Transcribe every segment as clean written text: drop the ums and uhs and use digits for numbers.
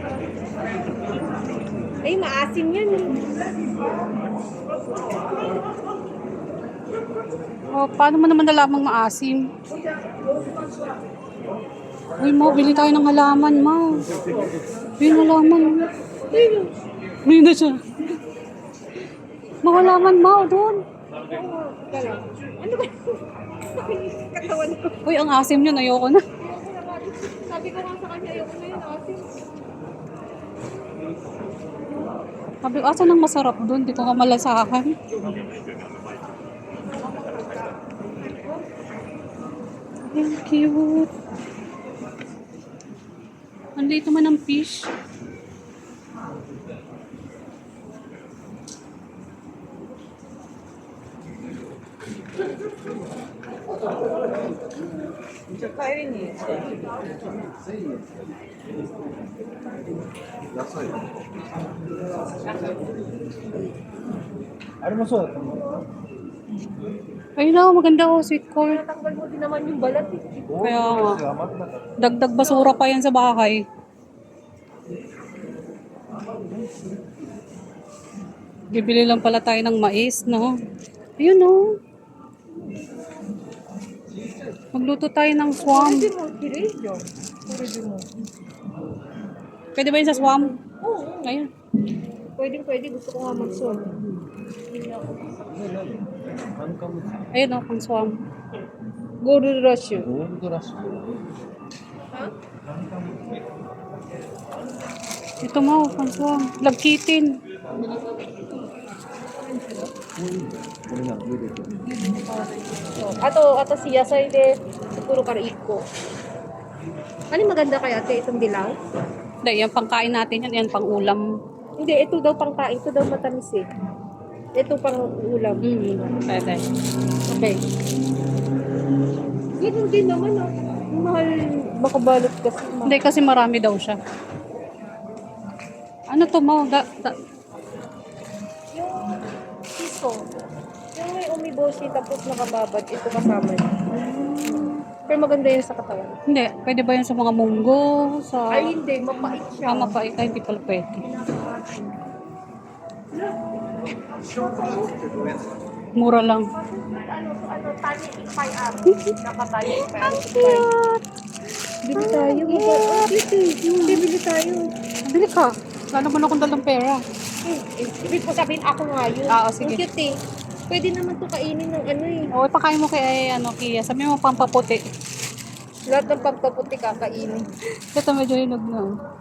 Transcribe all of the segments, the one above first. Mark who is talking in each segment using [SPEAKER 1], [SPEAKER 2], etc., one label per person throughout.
[SPEAKER 1] Ay, maasim yan eh.
[SPEAKER 2] Oh, paano mo naman nalamang maasim? Uy, Mau, bili tayo ng halaman, Mau. Bili ng halaman. Bili na siya. Mau, halaman, Mau, doon.
[SPEAKER 1] Ano ba? Katawan ko.
[SPEAKER 2] Uy, ang asim yun. Ayoko na.
[SPEAKER 1] Sabi ko nga sa kanya, ayoko na yun, asim.
[SPEAKER 2] Sabi ko, asan ang masarap doon? Di ko nga malasahan. Ang cute. Ang liit naman ng fish. Ayun na, maganda oh, sweet corn.
[SPEAKER 1] Tanggal mo din naman yung balat eh.
[SPEAKER 2] Kaya nga, dagdag basura pa yan sa bahay. Bibili lang pala tayo ng mais, no? Ayun, no? Magluto tayo ng swam.
[SPEAKER 1] Pwede mo, Kirejo. Pwede mo.
[SPEAKER 2] Pwede ba yun sa swam?
[SPEAKER 1] Oo.
[SPEAKER 2] Ayun.
[SPEAKER 1] Pwede. Gusto ko nga mag-sol.
[SPEAKER 2] Ayun, no? Pang swam.
[SPEAKER 1] Gold rush yun.
[SPEAKER 2] Ito mo, pang swam. Lagkitin.
[SPEAKER 1] Ato siya sa ide, puro karaiko. Ano yung maganda kaya ate, itong dilaw?
[SPEAKER 2] Hindi, yan pangkain natin yan. Yan pang ulam.
[SPEAKER 1] Hindi, ito daw pang kain, ito daw matamis eh. Ito pang ulam.
[SPEAKER 2] Pwede.
[SPEAKER 1] Okay. Ganun din naman ah. Mahal, makabalot kasi.
[SPEAKER 2] Hindi, kasi marami daw siya. Ano to mo?
[SPEAKER 1] Yung piso, yung may umiboshi tapos nakababad, ito kasama niya. Pero maganda yun sa katawan.
[SPEAKER 2] Hindi, pwede ba yun sa mga munggo? Sa...
[SPEAKER 1] Ay hindi, mapait siya.
[SPEAKER 2] mapait. Ay, hindi pala pwede. Mura lang.
[SPEAKER 1] Tani ipay nakatani ipay. Bili tayo. Bili tayo.
[SPEAKER 2] Bili ka. Lalo mo na akong dalang pera.
[SPEAKER 1] Ibig ko sabihin ako nga yun.
[SPEAKER 2] Oo, sige.
[SPEAKER 1] Ang cute eh. Pwede naman to kainin ng ano eh.
[SPEAKER 2] O, ipakain mo kay Kia. Sabi mo pampaputi.
[SPEAKER 1] Lahat ng pagkaputi kakainin.
[SPEAKER 2] Ito medyo hinog na.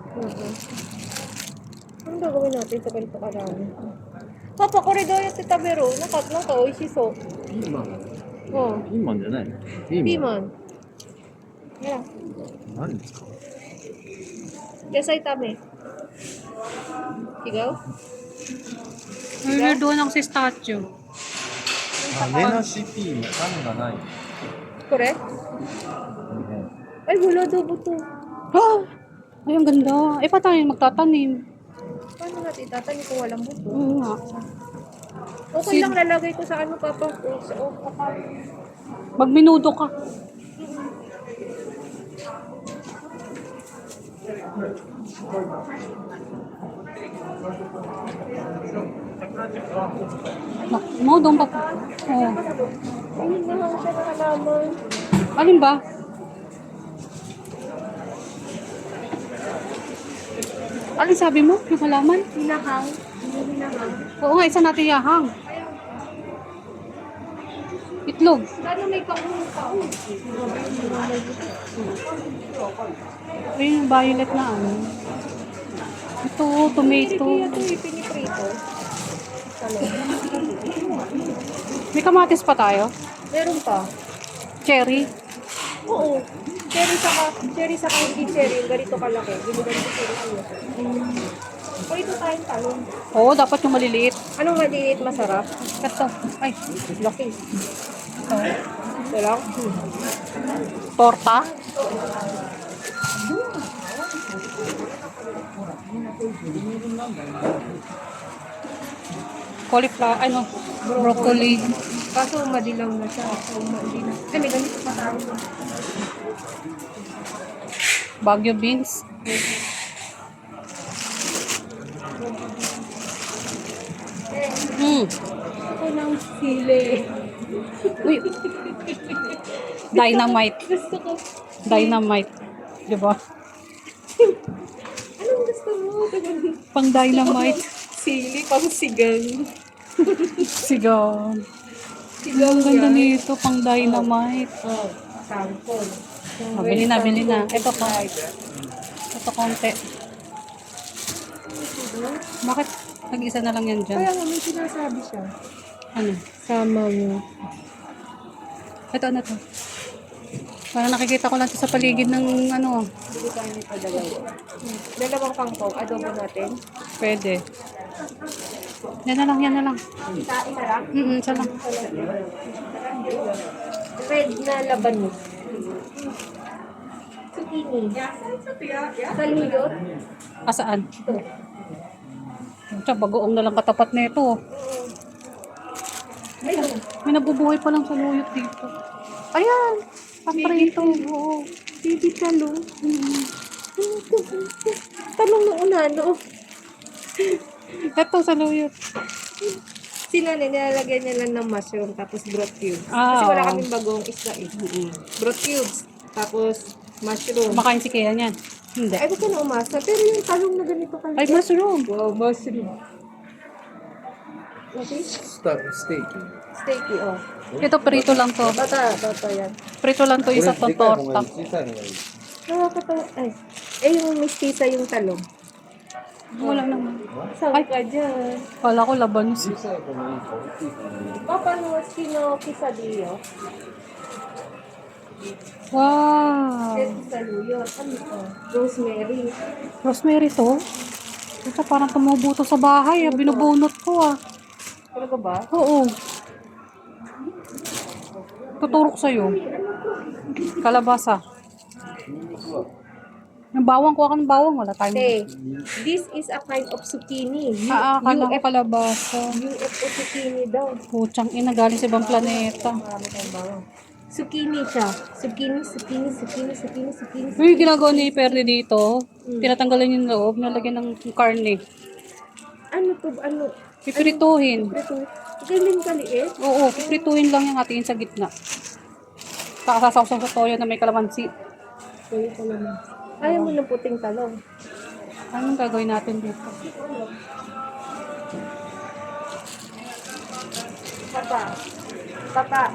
[SPEAKER 1] Ano gagawin natin sa ganito karami? Papa, koridor yung tita Vero. Nakatlo ka, oishiso.
[SPEAKER 3] ピーマン。
[SPEAKER 1] Oh,
[SPEAKER 3] ピーマンじゃない。ピーマン。
[SPEAKER 1] piman. Yeah.
[SPEAKER 3] 何ですか。
[SPEAKER 1] Yasay tame. Ikaw?
[SPEAKER 2] Order doon ako si statue.
[SPEAKER 3] 種なしピーマン。種がない。
[SPEAKER 1] Correct? Ay, wala daw buto.
[SPEAKER 2] Oh! Ay, ang ganda. Eh, pa tayo magtatanim?
[SPEAKER 1] Paano natin itatanim kung walang buto?
[SPEAKER 2] Oo nga.
[SPEAKER 1] Okay lang lalagay ko sa ano, Papa. Sa okapal.
[SPEAKER 2] Magminudo ka. Mo, doon pa. Oh.
[SPEAKER 1] Ayun na lang siya na halaman.
[SPEAKER 2] Alin ba? Alin sabi mo? Yung halaman?
[SPEAKER 1] Hinahang. Hinahang.
[SPEAKER 2] Oo nga, isa natin yahang. Itlog.
[SPEAKER 1] Ano may kaun?
[SPEAKER 2] Ayun yung violet na ano. Ito, tomato.
[SPEAKER 1] Kaya ito ipiniprito.
[SPEAKER 2] May kamatis pa tayo.
[SPEAKER 1] Meron pa.
[SPEAKER 2] Cherry.
[SPEAKER 1] Oo. Cherry saka hindi cherry. Yung ganito kalaki. Yung ganito cherry siya. O ito tayong talong.
[SPEAKER 2] Oo, dapat yung maliliit.
[SPEAKER 1] Anong maliit masarap?
[SPEAKER 2] Ito. Ay,
[SPEAKER 1] Laki. Ito lang.
[SPEAKER 2] torta. Cauliflower, ano, broccoli.
[SPEAKER 1] Kaso madilaw na siya. So, hindi na. Ay, may ganito pa tayo.
[SPEAKER 2] Baguio beans.
[SPEAKER 1] Ako ng sili.
[SPEAKER 2] Uy. Dynamite.
[SPEAKER 1] Gusto ko.
[SPEAKER 2] Dynamite. Diba?
[SPEAKER 1] Anong gusto mo?
[SPEAKER 2] Pang dynamite.
[SPEAKER 1] Sili, pang sigang.
[SPEAKER 2] Sigaw.
[SPEAKER 1] Sigang
[SPEAKER 2] Ang ganda
[SPEAKER 1] yan.
[SPEAKER 2] nito, pang dynamite.
[SPEAKER 1] Oh, sample.
[SPEAKER 2] Oh, bili na, bili na. Ito pa. Ito konti. Bakit nag-isa na lang yan dyan?
[SPEAKER 1] Kaya nga may sinasabi siya.
[SPEAKER 2] Ano?
[SPEAKER 1] Sama mo.
[SPEAKER 2] Ito, ano to? Parang nakikita ko lang ito sa paligid ng ano.
[SPEAKER 1] Bili tayo nito dalawa. Dalawang kangkong. Adobo natin.
[SPEAKER 2] Pwede. Yan na lang, yan na lang.
[SPEAKER 1] Isa lang.
[SPEAKER 2] Isa lang.
[SPEAKER 1] Red na laban mo. Zucchini. Saluyot.
[SPEAKER 2] Asaan?
[SPEAKER 1] Ito.
[SPEAKER 2] Tsaka bagoong na lang katapat nito.
[SPEAKER 1] Ayun.
[SPEAKER 2] May nabubuhay pa lang sa luyot dito. Ayan! Paprito. Oo.
[SPEAKER 1] Baby talong. Talong na unano.
[SPEAKER 2] Ito sa luyot.
[SPEAKER 1] Sila nilalagay niya lang ng mushroom tapos broth cubes.
[SPEAKER 2] Ah,
[SPEAKER 1] Kasi wala
[SPEAKER 2] oo.
[SPEAKER 1] kaming bagong isda eh. Broth cubes. Tapos mushroom.
[SPEAKER 2] Kumakain si Kea niyan. Hindi.
[SPEAKER 1] Ay, gusto na umasa. Pero yung talong na ganito ka.
[SPEAKER 2] Ay, mushroom.
[SPEAKER 1] Wow, mushroom. Okay?
[SPEAKER 3] Steak.
[SPEAKER 1] Steaky, oh.
[SPEAKER 2] Ito, prito lang to.
[SPEAKER 1] Bata yan.
[SPEAKER 2] Prito lang to, isa tong torta.
[SPEAKER 1] Nakakatawa. Ay, yung mistisa yung talong.
[SPEAKER 2] Wala naman.
[SPEAKER 1] Saan ka dyan?
[SPEAKER 2] Kala ko labanos.
[SPEAKER 1] Paano sino quesadillo?
[SPEAKER 2] Wow.
[SPEAKER 1] Saluyot. Ano ito? Rosemary.
[SPEAKER 2] Rosemary to? Ito parang tumubo to sa bahay. Binubunot ko ah.
[SPEAKER 1] Talaga ba?
[SPEAKER 2] Oo. Tuturok sa'yo. Kalabasa. Yung bawang, kuha ka ng bawang. Wala tayong...
[SPEAKER 1] Hey, this is a kind of zucchini.
[SPEAKER 2] Akala ko kalabasa.
[SPEAKER 1] UFO zucchini daw.
[SPEAKER 2] Putsang ina, galing sa ibang planeta.
[SPEAKER 1] Marami tayong bawang. Zucchini siya. Zucchini.
[SPEAKER 2] Yung ginagawa ni Perry dito, tinatanggalan yung loob, nalagyan ng karne.
[SPEAKER 1] Ano to? Ano?
[SPEAKER 2] Pipirituhin.
[SPEAKER 1] Ito. Galing kaliit.
[SPEAKER 2] Oo, pipirituhin lang yung hatiin sa gitna. Kakasasaw sa toyo na may kalamansi.
[SPEAKER 1] Kaya ko naman. Ayaw mo ng puting talong.
[SPEAKER 2] Anong gagawin natin dito?
[SPEAKER 1] Papa.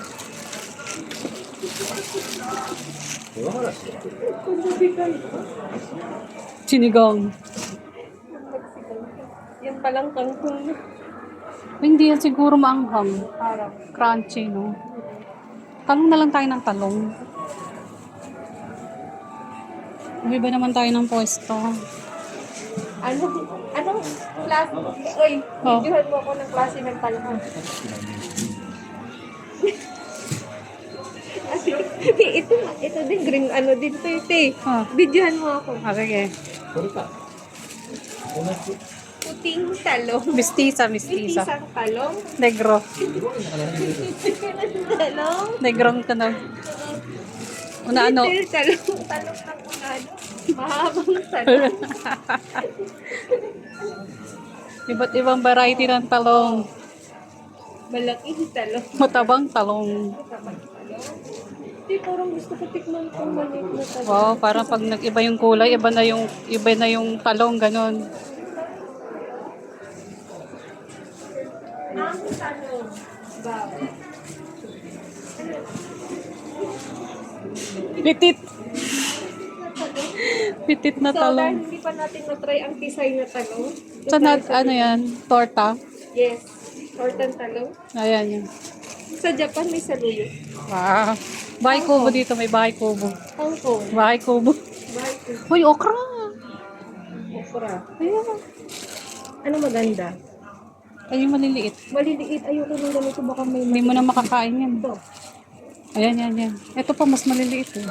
[SPEAKER 2] Sinigang.
[SPEAKER 1] Yan palang kangkong.
[SPEAKER 2] Hindi yan siguro maanghang.
[SPEAKER 1] Parang.
[SPEAKER 2] Crunchy, no? Talong na lang tayo ng talong. Iba naman tayo ng pwesto.
[SPEAKER 1] Anong klase? Uy,
[SPEAKER 2] Oh.
[SPEAKER 1] videohan mo ako ng klase ng talong. ito din, green ano din to ito
[SPEAKER 2] Ah.
[SPEAKER 1] Videohan mo ako.
[SPEAKER 2] Sige.
[SPEAKER 1] Puting talong.
[SPEAKER 2] Mistisa.
[SPEAKER 1] Isang talong.
[SPEAKER 2] Negro.
[SPEAKER 1] Talong.
[SPEAKER 2] Negrong ka na. Una ano?
[SPEAKER 1] Talong ng unano. Mahabang talong.
[SPEAKER 2] Iba't ibang variety ng talong.
[SPEAKER 1] Malaking talong.
[SPEAKER 2] Matabang talong.
[SPEAKER 1] Hindi, parang gusto ko tikman itong maliit na talong.
[SPEAKER 2] Wow, parang pag nag-iba yung kulay, iba na yung talong, ganon.
[SPEAKER 1] Ang talong. Wow.
[SPEAKER 2] Pitit. Pitit na
[SPEAKER 1] So, dahil
[SPEAKER 2] talong.
[SPEAKER 1] hindi pa natin na-try ang tisay na talong.
[SPEAKER 2] So, ano yan? Torta?
[SPEAKER 1] Yes. Tortang talong.
[SPEAKER 2] Ayan yan.
[SPEAKER 1] Sa Japan may saluyot.
[SPEAKER 2] Wow. Bahay kubo dito, may bahay kubo.
[SPEAKER 1] Hong Kong.
[SPEAKER 2] Bahay kubo.
[SPEAKER 1] Bahay ko.
[SPEAKER 2] Uy, okra!
[SPEAKER 1] Okra.
[SPEAKER 2] Ayan.
[SPEAKER 1] Ano maganda?
[SPEAKER 2] Ay, yung maliliit.
[SPEAKER 1] Maliliit. Ayoko nung ganito. Baka may
[SPEAKER 2] Hindi mo na makakain yan.
[SPEAKER 1] ito.
[SPEAKER 2] Ayan, yan. Ito pa, mas maliliit eh.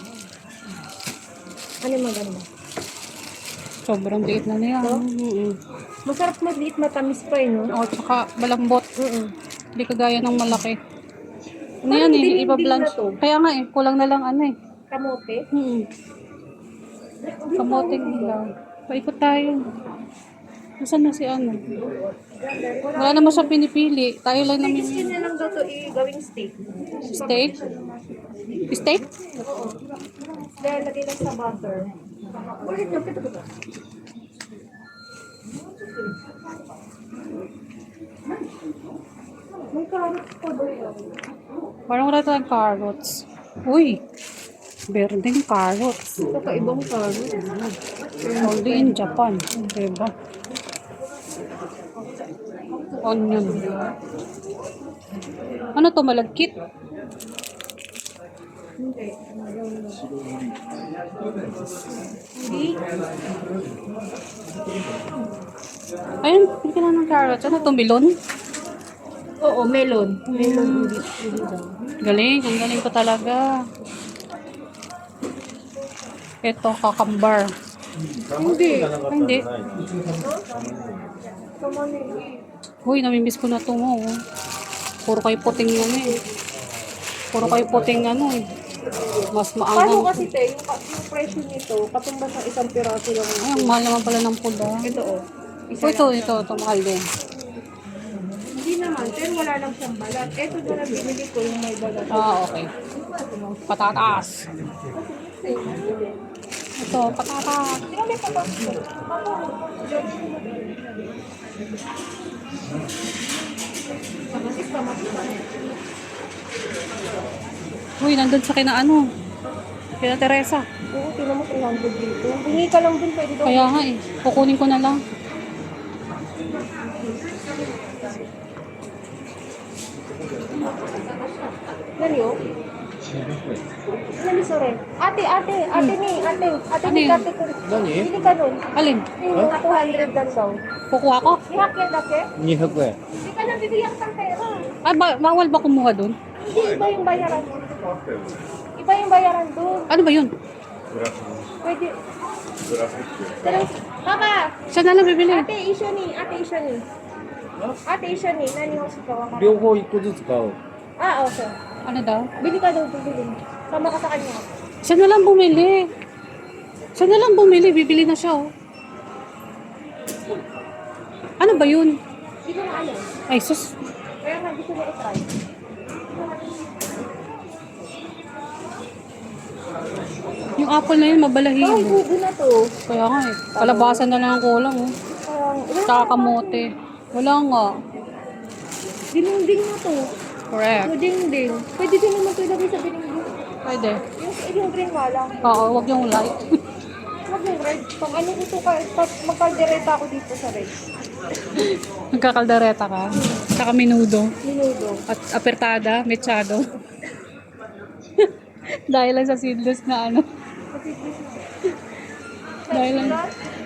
[SPEAKER 1] Ano maganda?
[SPEAKER 2] Sobrang liit na niya.
[SPEAKER 1] Masarap maliit, matamis pa eh, no?
[SPEAKER 2] O, tsaka malambot. Hindi kagaya ng malaki. Ano
[SPEAKER 1] Parang
[SPEAKER 2] yan eh,
[SPEAKER 1] dilim-dim
[SPEAKER 2] iba
[SPEAKER 1] na
[SPEAKER 2] blanch.
[SPEAKER 1] to.
[SPEAKER 2] Kaya nga eh, kulang na lang ano eh. Nasaan na si ano? Wala naman siya pinipili. Tayo lang namin.
[SPEAKER 1] Skin na lang daw to gawing steak.
[SPEAKER 2] Steak? Steak?
[SPEAKER 1] Dahil lagay lang sa butter. Ulit nyo, pito. May carrots pa ba yun?
[SPEAKER 2] Parang wala tayong carrots. Uy! Berdeng carrots.
[SPEAKER 1] Kakaibang carrots.
[SPEAKER 2] Only in Japan. Diba? Onion. Ano to? Malagkit?
[SPEAKER 1] Hindi.
[SPEAKER 2] Ayun, hindi ka na ng carrots. Ano to? Melon?
[SPEAKER 1] Oo, melon. Melon ulit.
[SPEAKER 2] Galing. Ang galing ko talaga. Ito, kakambar.
[SPEAKER 1] Hindi.
[SPEAKER 2] Ay, hindi.
[SPEAKER 1] Come on in.
[SPEAKER 2] Uy, namimiss ko na ito mo. Oh. Puro kayo puting ano eh. Puro kayo puting ano eh. Mas
[SPEAKER 1] Paano
[SPEAKER 2] maangang.
[SPEAKER 1] kasi te, yung presyo nito, katumbas ng isang piraso lang.
[SPEAKER 2] Ay, ang mahal naman pala ng pula.
[SPEAKER 1] Ito oh.
[SPEAKER 2] Oh, ito, mahal din.
[SPEAKER 1] Hindi naman, pero wala lang siyang balat. Ito na lang binili ko yung may balat.
[SPEAKER 2] Ah, okay. Patatas. Ito, patatas.
[SPEAKER 1] Sino may patas ko? Kamatis, kamatis.
[SPEAKER 2] Uy, nandun sa kina ano. Kina Teresa.
[SPEAKER 1] Oo, tinan mo 300 dito. Hingi ka lang dun, pwede daw.
[SPEAKER 2] Kaya nga eh. Kukunin ko na lang.
[SPEAKER 1] Nani oh? Nani sorry. Ate
[SPEAKER 2] Ano
[SPEAKER 1] ni
[SPEAKER 2] yun?
[SPEAKER 1] ate ko.
[SPEAKER 3] Nani?
[SPEAKER 1] Bili ka nun.
[SPEAKER 2] Alin?
[SPEAKER 1] Yung 200 lang daw.
[SPEAKER 2] Kukuha ko?
[SPEAKER 1] Ihakyan na ke?
[SPEAKER 3] 200円。
[SPEAKER 1] Hindi ka nang bibigyan ng pera.
[SPEAKER 2] Ay, bawal ba kumuha dun?
[SPEAKER 1] Hindi, iba yung bayaran. Iba yung bayaran doon.
[SPEAKER 2] Ano ba yun?
[SPEAKER 1] Pwede. Pero, Papa!
[SPEAKER 2] Siya na lang bibili.
[SPEAKER 1] Ate, issue ni. Ate, issue ni. Nani mo si Kawa ka?
[SPEAKER 3] 両方1個ずつ買おう。
[SPEAKER 1] Ah, okay.
[SPEAKER 2] Ano daw?
[SPEAKER 1] Bili ka daw, bibili. Sama ka sa kanya.
[SPEAKER 2] Siya na lang bumili. Siya na lang bumili. Bibili na siya oh. Ano ba yun?
[SPEAKER 1] Hindi ko na alam.
[SPEAKER 2] Ay, sus.
[SPEAKER 1] Kaya nga, gusto niya i-try.
[SPEAKER 2] Yung apple na yun,
[SPEAKER 1] Ay,
[SPEAKER 2] mabalahibo.
[SPEAKER 1] gugo na to.
[SPEAKER 2] Kaya nga eh. Kalabasan na lang ang kulang oh.
[SPEAKER 1] Parang,
[SPEAKER 2] Tsaka kamote. Wala nga.
[SPEAKER 1] dininding na to.
[SPEAKER 2] Correct.
[SPEAKER 1] Dinding. Pwede din naman ito ilagay sa dininding.
[SPEAKER 2] Pwede.
[SPEAKER 1] Yung green nga lang.
[SPEAKER 2] Oo, wag yung light.
[SPEAKER 1] Wag yung red. Pag ano ito ka, pag magkaldereta ako dito sa red.
[SPEAKER 2] Nagkakaldareta ka. Tsaka minudo.
[SPEAKER 1] Minudo.
[SPEAKER 2] At apertada, mechado. Dahil lang sa seedless na ano. Dahil lang.